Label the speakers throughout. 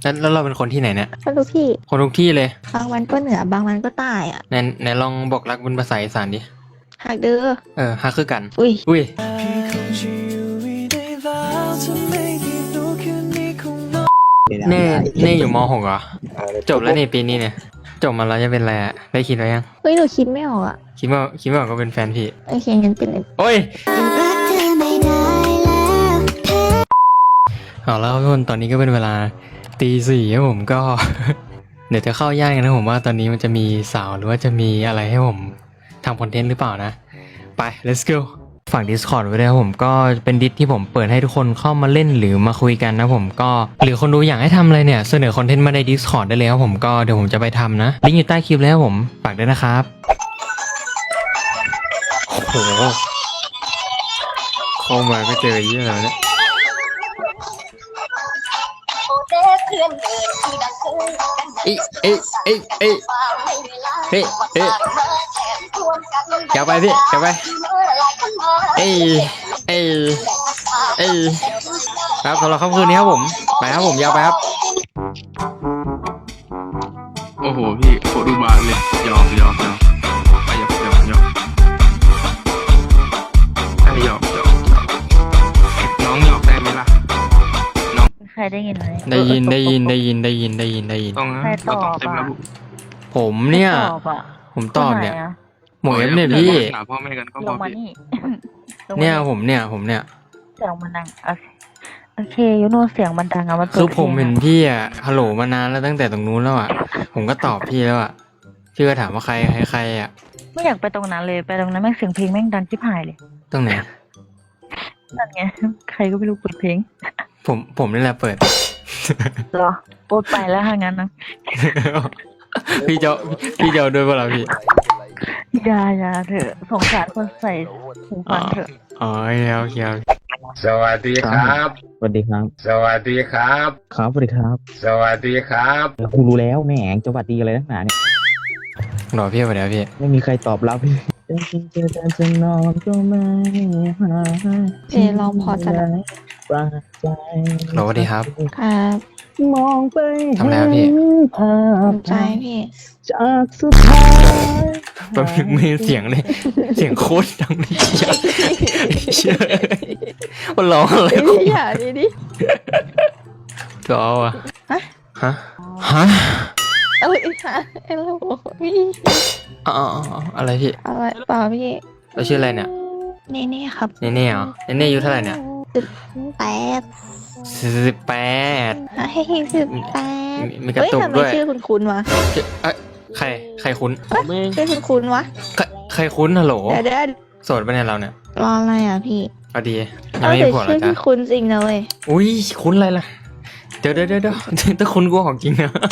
Speaker 1: แล้วเราเป็นคนที่ไหนเนี่ย
Speaker 2: ก็ทุกที่
Speaker 1: คนทุกที่เลย
Speaker 2: บางวันก็เหนือบางวันก็ใต้อ่ะ
Speaker 1: ไหนลองบอกรักเป็นภาษาอีสานดิ
Speaker 2: หากเด้อ
Speaker 1: ฮักคือกัน
Speaker 2: อุ้ย
Speaker 1: อุ้ยเน่อยู่ม .6 เหรอจบแล้วนี่ปีนี้เนี่ยจบมาแล้วจะเป็นอะไรอะได้คิดไว้ยัง
Speaker 2: เฮ้ยหนูคิดไม่ออกอ่ะ
Speaker 1: คิดว่าก็เป็นแฟนพี่
Speaker 2: โอเคงั้นเป็น
Speaker 1: โอ้ยเอาแล้วทุกคนตอนนี้ก็เป็นเวลาตี 4ครับผมก็ เดี๋ยวจะเข้าย่านกันนะผมว่าตอนนี้มันจะมีสาวหรือว่าจะมีอะไรให้ผมทำคอนเทนต์หรือเปล่านะไป let's go ฝาก Discord ไว้ด้วยครับผมก็เป็นดิสที่ผมเปิดให้ทุกคนเข้ามาเล่นหรือมาคุยกันนะผมก็หรือคนดูอยากให้ทำอะไรเนี่ยเสนอคอนเทนต์มาใน Discord ได้เลยครับผมก็เดี๋ยวผมจะไปทำนะลิงก์อยู่ใต้คลิปแล้วผมฝากด้วยนะครับโอ้โหเข้ามาก็เจอเยอะแล้วเนี่ยเฮ้อย่าไปพี่อย่าไปครับสำหรับค่ำคืนนี้ครับผมไปครับผมยาวไปครับ
Speaker 3: โอ้โหพี่โคตรดูบานเลยยอมไปยอมให้ยอมน้องยอมได้ไหมล่ะน้อง
Speaker 2: ใครได้ยินไหม
Speaker 1: ได้ยิน
Speaker 3: ต้องนะเราต้องเต็มระบุ
Speaker 1: ผมเนี่ยผมตอบเนี่ยหมวยเนี่ยพี่
Speaker 3: หาพ่อแม่กันก็พอพี่
Speaker 1: เนี่ยผมเนี่ย
Speaker 2: เสียงมันดังโอเคยูโนเสียงมันดังอะมัน
Speaker 1: คือผมเห็นพี่อะฮัลโหลมานานแล้วตั้งแต่ตรงนู้นแล้วอะผมก็ตอบพี่แล้วอะพี่ก็ถามว่าใครอะ
Speaker 2: ไม่อยากไปตรงนั้นเลยไปตรงนั้นแม่งเสียงเพลงแม่งดังชิบหายเลย
Speaker 1: ตรงไหน
Speaker 2: นั่นไงใครก็ไม่รู้เปิดเพลง
Speaker 1: ผมนี่แหละเปิด
Speaker 2: เหรอโปรดไปแล้วถ้างั้นนะ
Speaker 1: พี่เจ้าด้วยเปล่าพี่
Speaker 2: อย่าเถอะสงสารคนใส่หูฟังเถอะ
Speaker 1: อ๋อโอเค
Speaker 3: สวัสดีครับ
Speaker 4: สวัสดีครับ
Speaker 3: สวัสดีครับ
Speaker 4: ครับสวัสดีครับ
Speaker 3: สวัสดีครับ
Speaker 4: กูรู้แล้วแหมจะหวัดดีอะไรนักหนาเนี่ย
Speaker 1: หน่อพี่ไปแล้วพี่
Speaker 4: ไม่มีใครตอบรับพี่จะนอนก็ไม่หา
Speaker 2: ลองพอจะได้
Speaker 4: ปราใจ
Speaker 1: สวัสดีครับ
Speaker 2: ครับ
Speaker 4: มองไป
Speaker 1: ทำแล้วพี่
Speaker 4: ภาพ
Speaker 2: ใจพี่
Speaker 4: จากสุดท้าย
Speaker 1: แป๊บนึงไม่เสียงเลยเสียงโคตรดังเลยเชื่อมันร้องอะไร
Speaker 2: อย่าดิ
Speaker 1: ก็เอาอะฮะ
Speaker 2: เอ้ยฮะอะไรพี่
Speaker 1: อะไรพี่
Speaker 2: อะไรเปล่าพี่
Speaker 1: เราชื่ออะไรเนี่ย
Speaker 2: เน่ครับ
Speaker 1: เน่เหรอเน่อายุเท่าไหร่เนี่ย
Speaker 2: 18ให้18
Speaker 1: มีกระตุกด้วย
Speaker 2: ชื่อคุ้นวะ
Speaker 1: ใครคุ้น
Speaker 2: ชื่อคุ้นวะ
Speaker 1: ใครคุ้นฮัลโหล
Speaker 2: เดี๋ยว
Speaker 1: โสดปะเนี่ยเราเนี่ย
Speaker 2: รออะไรอ่ะพี่
Speaker 1: เอาดียังไม่มีผัวหรอจ๊ะ
Speaker 2: คุ้นจริงนะเว้ย
Speaker 1: อุ้ยคุ้นอะไรล่ะเดี๋ยวถ้าคุ้นกูของจริงนะ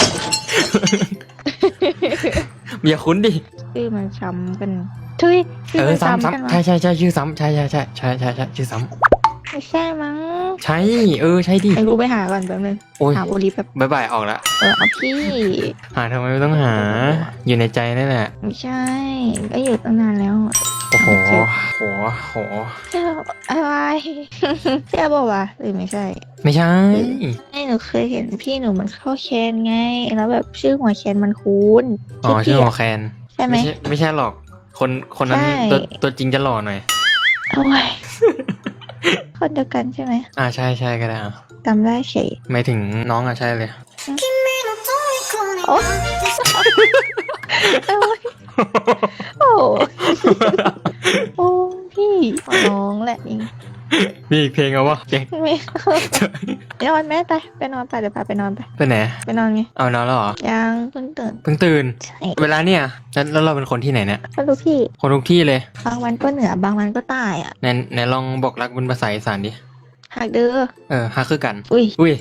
Speaker 1: อย่าคุ้นดิ
Speaker 2: ชื่อมันซ้ำกันทุย
Speaker 1: ซ้ำใช่ชื่อซ้ำใช่ชื่อซ้ำ
Speaker 2: ไม่ใช่มั้ง
Speaker 1: ใช่ใช่ดิ
Speaker 2: ไอ้รู้ไปหาก่อนแป๊บนึงหาโอลิฟ
Speaker 1: แบบบ่ายออกละ
Speaker 2: เอาพี่
Speaker 1: หาทำไมไม่ต้องหาอยู่ในใจนั่นแหละ
Speaker 2: ไม่ใช่ก็อยู่ตั้งนานแล้ว
Speaker 1: โอ้โห
Speaker 2: เจ้าอะไรเจ้าบอกว่าหรือไม่ใช่หนูเคยเห็นพี่หนูมันเข้าแคนไงแล้วแบบชื่อหัวแคนมันคุ้น
Speaker 1: ชื่อหัวแคน
Speaker 2: ใช่ไหม
Speaker 1: ไม่ใช่หรอกคนนั้นตัวจริงจะหล่อหน่อย
Speaker 2: โอ้ยคนเดียวกันใช่ไหม
Speaker 1: ใช่ก็ได้
Speaker 2: จำได้เฉย
Speaker 1: ไม่ถึงน้องใช่เลย
Speaker 2: โอ้โอ้พี่น้องแหละนี่
Speaker 1: มีอีกเพลงเอาวะ
Speaker 2: ไม่นอนแม่ไปนอนไปเดี๋ยวพาไปนอนไป
Speaker 1: ไหน
Speaker 2: ไปนอนไง
Speaker 1: เอานอนแล้วเหรอ
Speaker 2: ยังเพิ่ง
Speaker 1: ตื่นเวลาเนี่ยแล้วเราเป็นคนที่ไหนเนี่ย
Speaker 2: คนทุกที่
Speaker 1: เลย
Speaker 2: บางวันก็เหนือบางวันก็ใต้อ่ะ
Speaker 1: ไหนลองบอกรักเป็นภาษาอีสานดิ
Speaker 2: หากเด้อ
Speaker 1: ฮักคือกัน
Speaker 2: อุ้ย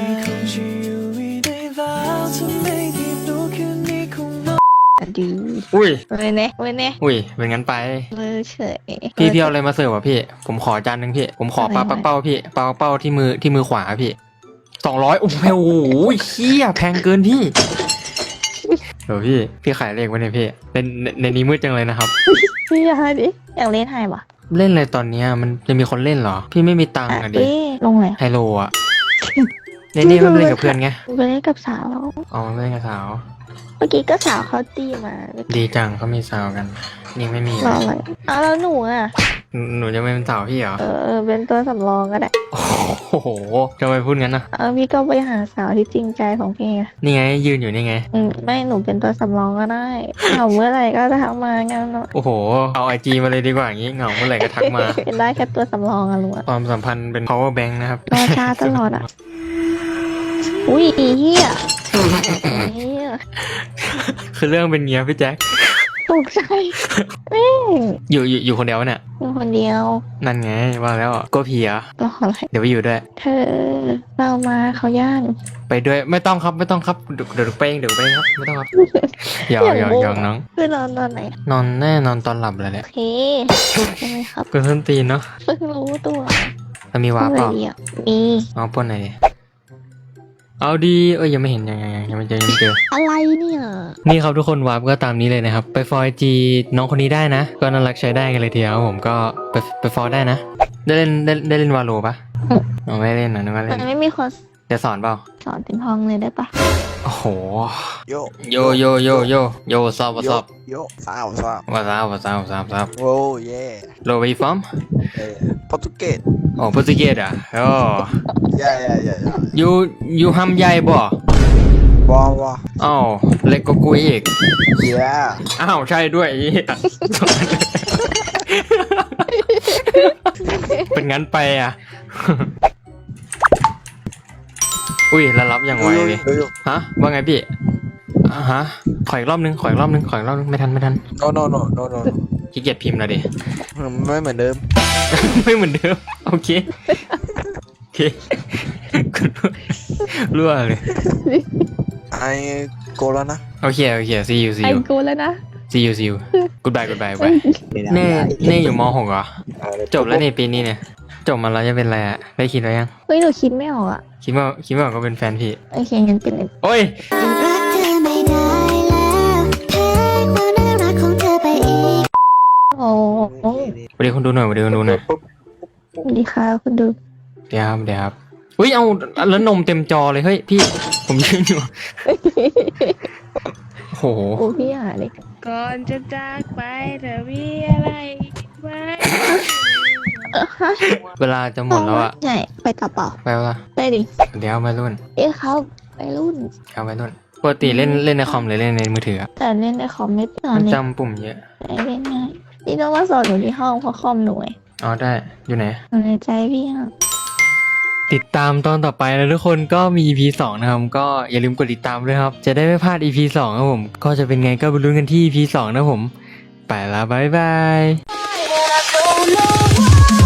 Speaker 2: ดี
Speaker 1: อุ้ย
Speaker 2: เว้ยเนี่ย
Speaker 1: เป็นงั้นไป
Speaker 2: เฉย
Speaker 1: พี่เอาอะไรมาเสิร์ฟอ่ะพี่ผมขอจานนึงพี่ผมขอปลาปักเป้าพี่ปลาปักเป้าที่มือขวาพี่200โอ้โหเหี้ยแพงเกินพี่เดี๋ยวพี่ขายเลขไว้เนี่ยพี่ในนี้มืดจังเลยนะครับ
Speaker 2: พี่อยากเล่นไฮวะ
Speaker 1: เล่นอะไรตอนนี้มันจะมีคนเล่นเหรอพี่ไม่มีตังค์อ่ะดิ
Speaker 2: ลงเลย
Speaker 1: ไฮโลอ่ะนี่มันเล่นกับเพื่อนไง
Speaker 2: ไปเล่นกับสาว
Speaker 1: อ๋อมันเล่นกับสาว
Speaker 2: เมื่อกี้ก็สาวเขาตีมา
Speaker 1: ดีจังเขามีสาวกันนี่ไม่มี
Speaker 2: รออะไรอ้าวแล้วหนูอ่ะ
Speaker 1: หนูจะไม่เป็นสาวพี่เหรอ
Speaker 2: เป็นตัวสำรองก็ได้
Speaker 1: โอ้โหทำไมพูดงั้นนะ
Speaker 2: พี่ก็ไปหาสาวที่จริงใจของพี่ไง
Speaker 1: นี่ไงยืนอยู่นี่ไง
Speaker 2: ไม่หนูเป็นตัวสำรองก็ได้เอาเมื่อไหร่ก็ทักมางั้นเนอะ
Speaker 1: โอ้โหเอาไอจีมาเลยดีกว่าอย่างงี้เหงาเมื่อไหร่ก็ทักมา
Speaker 2: เป็นได้แค่ตัวสำรองอะลุงอะ
Speaker 1: ความสัมพันธ์เป็น power bank นะครับ
Speaker 2: รอช้าตลอดอะอุ้ยเฮียเฮีย
Speaker 1: คือเรื่องเป็นเงี้ยพี่แจ็ค
Speaker 2: ตกใจแม่ง
Speaker 1: อยู่คนเดียวเนี่ย
Speaker 2: อยู่คนเดียว
Speaker 1: นั่นไงว่าแล้วอ่ะก็เพีย
Speaker 2: รออะไร
Speaker 1: เดี๋ยวไปอยู่ด้วย
Speaker 2: เธอเรามาเขาย่าน
Speaker 1: ไปด้วยไม่ต้องครับเดี๋ยวไปเองครับไม่ต้องครับหยอกน้อง
Speaker 2: คือนอนตอนไหน
Speaker 1: นอนแน่นอนตอนหลับเลยแห
Speaker 2: โอ
Speaker 1: ละ
Speaker 2: เคใช่ไหมครับ
Speaker 1: กูส้นตีนเนาะ
Speaker 2: เพิ่งรู้ตัว
Speaker 1: แล้วมีวาร์ปเปล่า
Speaker 2: เดียวมี
Speaker 1: เอาปล้นหน่อยดิเอาดียังไม่เห็นยังไม่เจอ
Speaker 2: อะไรเนี่ย
Speaker 1: นี่ครับทุกคนวาร์ปก็ตามนี้เลยนะครับ ไปฟอยจีน้องคนนี้ได้นะ ก็น่ารักใช้ได้กันเลยทีเดียวผมก็ไปฟอยได้นะ ได้เล่นวาโลปะอ๋อไม่เล่นนะนึกว่าเล่
Speaker 2: มัน นไม่มีคน
Speaker 1: จะสอนเปล่า
Speaker 2: สอนถึงห้องเลยได้ปะ
Speaker 1: โอ้โห
Speaker 5: Yo,
Speaker 1: โยซับ
Speaker 5: yo, yo, sao, sao?
Speaker 1: วาซับ
Speaker 5: Oh, yeah.
Speaker 1: โลไปฟอม
Speaker 5: Português.
Speaker 1: โอ้โปรตุเกสอ่ะโอ้
Speaker 5: Yeah.
Speaker 1: ยูฮัมใหญ่บ่
Speaker 5: Bom, bom.
Speaker 1: อ้าวเล็กก็กูอีก
Speaker 5: Yeah.
Speaker 1: อ้าวใช่ด้วยไอ้เหี้ยเป็นงั้นไปอ่ะ อุ้ยแล้วรับอย่างไวเลย
Speaker 5: Yo.
Speaker 1: ฮะว่าไงพี่ฮะขออีกรอบนึงไม่ทัน
Speaker 5: No.
Speaker 1: ขี้เกียจพิมพ์แล้วดิ
Speaker 5: ไม่เหมือนเดิม
Speaker 1: ไม่เหมือนเดิมโอเครั่วเลย
Speaker 5: ไอ้โกแล้วนะ
Speaker 1: โอเค see you
Speaker 2: ไอกูแล้วนะ
Speaker 1: see you goodbye ไปเน่อยู่ม .6 เหรอจบแล้วในปีนี้เนี่ยจบมาแล้วจะเป็นอะไรอะได้คิดไว้ยัง
Speaker 2: เฮ้ยหนูคิดไม่ออกอะ
Speaker 1: คิดว่าก็เป็นแฟนพี่
Speaker 2: โอเคงั้นเป็น
Speaker 1: โอ้ย
Speaker 6: รักเธอไม่ได้แล้วแพ้ความน่ารักของเธอไปอีก
Speaker 2: โอ้โห
Speaker 1: สวัสดีคนดูหน่อย
Speaker 2: สวัสดีค่ะคุณดู
Speaker 1: เดี๋ยวครับอุ้ยเอาแล้วนมเต็มจอเลยเฮ้ยพี่ผมยืนอยู่โอ้โห
Speaker 2: โอ้พี่หาเลย
Speaker 7: ก่อนจะจากไปเธอมีอะไรไหม
Speaker 1: เวลาจะหมดแล้วอะ
Speaker 2: ใช่ไปต่อเปล่า
Speaker 1: ไปวะ
Speaker 2: ไปดิ
Speaker 1: เดี๋ยวไปรุ่น
Speaker 2: เขาไปรุ่น
Speaker 1: ปกติเล่นในคอมหรือเล่นในมือถืออะ
Speaker 2: แต่เล่นในคอมไม่ตอน
Speaker 1: มัน
Speaker 2: นี้
Speaker 1: จำปุ่มเยอะ
Speaker 2: เล่นง่ายนี่ต้องมาสอนหนูที่ห้องเพราะคอมหนูไง
Speaker 1: อ๋อได้อยู่ไหน
Speaker 2: หนูในใจพี่อะ
Speaker 1: ติดตามตอนต่อไปนะทุกคนก็มี EP 2 นะครับ ก็อย่าลืมกดติดตามด้วยครับ จะได้ไม่พลาด EP 2 ครับผม ก็จะเป็นไงก็ไปลุ้นกันที่ EP 2 นะผม ไปละบ๊ายบาย
Speaker 6: I don't know why